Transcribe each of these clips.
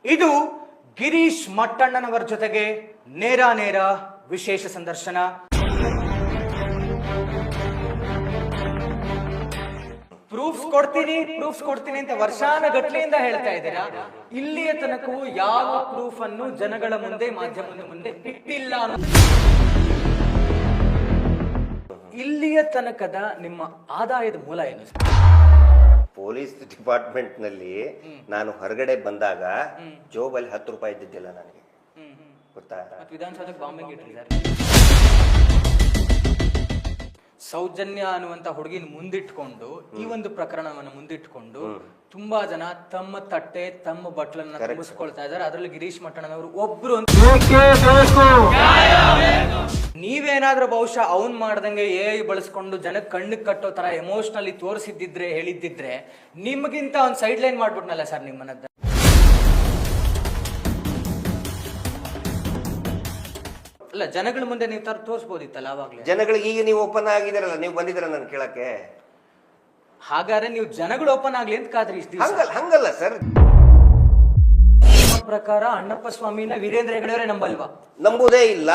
ಇದು ಗಿರೀಶ್ ಮಟ್ಟಣ್ಣನವರ ಜೊತೆಗೆ ನೇರ ನೇರ ವಿಶೇಷ ಸಂದರ್ಶನ. ಪ್ರೂಫ್ಸ್ ಕೊಡ್ತೀನಿ ಅಂತ ವರ್ಷಾನುಗಟ್ಲೆಯಿಂದ ಹೇಳ್ತಾ ಇದ್ದೀರಾ. ಇಲ್ಲಿಯ ತನಕವೂ ಯಾವ ಪ್ರೂಫ್ ಅನ್ನು ಜನಗಳ ಮುಂದೆ, ಮಾಧ್ಯಮದ ಮುಂದೆ ಇಟ್ಟಿಲ್ಲ. ಇಲ್ಲಿಯ ತನಕದ ನಿಮ್ಮ ಆದಾಯದ ಮೂಲ ಏನು? ಪೊಲೀಸ್ ಡಿಪಾರ್ಟ್ಮೆಂಟ್ ನಲ್ಲಿ ನಾನು ಹೊರಗಡೆ ಬಂದಾಗ ಜೋಬಲ್ಲಿ 10 ರೂಪಾಯಿ ಇದ್ದಿದ್ದಿಲ್ಲ ನನಗೆ, ಗೊತ್ತಾ? ವಿಧಾನಸೌಧಕ್ಕೆ ಬಾಂಬಿಂಗ್ ಇಟ್ಟಿದ್ದಾರೆ. ಸೌಜನ್ಯ ಅನ್ನುವಂತ ಹುಡುಗಿನ ಮುಂದಿಟ್ಕೊಂಡು ಈ ಒಂದು ಪ್ರಕರಣವನ್ನು ಮುಂದಿಟ್ಕೊಂಡು ತುಂಬಾ ಜನ ತಮ್ಮ ತಟ್ಟೆ ತಮ್ಮ ಬಟ್ಲನ್ನ ತುಂಬಿಸ್ಕೊಳ್ತಾ ಇದ್ದಾರೆ. ಅದರಲ್ಲಿ ಗಿರೀಶ್ ಮಟ್ಟಣ್ಣನವರು ಒಬ್ರು. ನೀವೇನಾದ್ರೂ ಬಹುಶಃ ಅವನ್ ಮಾಡ್ದಂಗೆ ಬಳಸ್ಕೊಂಡು ಜನಕ್ಕೆ ಕಣ್ಣಿಗೆ ಕಟ್ಟೋ ತರ ಎಮೋಷನಲಿ ತೋರಿಸಿದ್ದಿದ್ರೆ, ಹೇಳಿದ್ದಿದ್ರೆ, ನಿಮ್ಗಿಂತ ಒಂದು ಸೈಡ್ ಲೈನ್ ಮಾಡ್ಬಿಟ್ನಲ್ಲ ಸರ್ ನಿಮ್ಮನ್ನ. ಅಲ್ಲ, ಜನಗಳ ಮುಂದೆ ನೀವು ತೋರಿಸಬಹುದಿತ್ತಲ್ಲ ಅವಾಗ್ಲೇ. ಜನಗಳಿಗೆ ಈಗ ನೀವು ಓಪನ್ ಆಗಿದ್ದೀರಲ್ಲ, ನೀವು ಬಂದಿದ್ದೀರ ನಾನು ಕೇಳಕ್ಕೆ. ಹಾಗಾದ್ರೆ ನೀವು ಜನಗಳು ಓಪನ್ ಆಗ್ಲಿ ಅಂತ ಕಾದ್ರಿ. ಹಂಗಲ್ಲ ಸರ್. ಪ್ರಕಾರ ಅಣ್ಣಪ್ಪ ಸ್ವಾಮಿನ ವೀರೇಂದ್ರ ಹೆಗಡೆಯವರೇ ನಂಬಲ್ವಾ? ನಂಬುವುದೇ ಇಲ್ಲ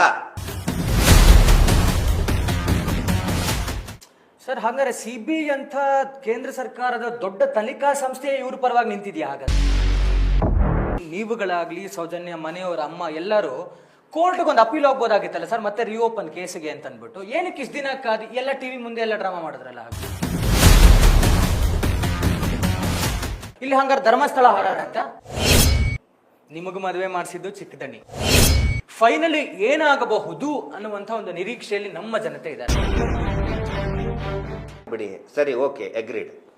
ಸರ್. ಹಾಗಾದ್ರೆ ಸಿಬಿಐ ಅಂತ ಕೇಂದ್ರ ಸರ್ಕಾರದ ದೊಡ್ಡ ತನಿಖಾ ಸಂಸ್ಥೆ ಇವ್ರ ಪರವಾಗಿ ನಿಂತಿದ್ಯಾ? ಹಾಗಾದ್ರೆ ನೀವುಗಳಾಗ್ಲಿ, ಸೌಜನ್ಯ ಮನೆಯವರ ಅಮ್ಮ ಎಲ್ಲರೂ ಕೋರ್ಟ್ಗೆ ಒಂದು ಅಪೀಲ್ ಹೋಗ್ಬೋದಾಗಿತ್ತಲ್ಲ ಸರ್, ಮತ್ತೆ ರಿಓಪನ್ ಕೇಸಿಗೆ ಅಂತ ಅಂದ್ಬಿಟ್ಟು. ಏನಕ್ಕೆ ಇಷ್ಟು ದಿನ ಕಾದಿ ಎಲ್ಲ ಟಿವಿ ಮುಂದೆ ಎಲ್ಲ ಡ್ರಾಮಾ ಮಾಡಿದ್ರಲ್ಲ. ಇಲ್ಲಿ ಹಂಗಾರೆ ಧರ್ಮಸ್ಥಳ ಹಾಡಾಡಂತ ನಿಮಗೂ ಮದುವೆ ಮಾಡಿಸಿದ್ದು ಚಿಕ್ಕದಣಿ. ಫೈನಲಿ ಏನಾಗಬಹುದು ಅನ್ನುವಂತ ಒಂದು ನಿರೀಕ್ಷೆಯಲ್ಲಿ ನಮ್ಮ ಜನತೆ ಇದ್ದಾರೆ. ಬಿಡಿ, ಸರಿ, ಓಕೆ, ಅಗ್ರೀಡ್.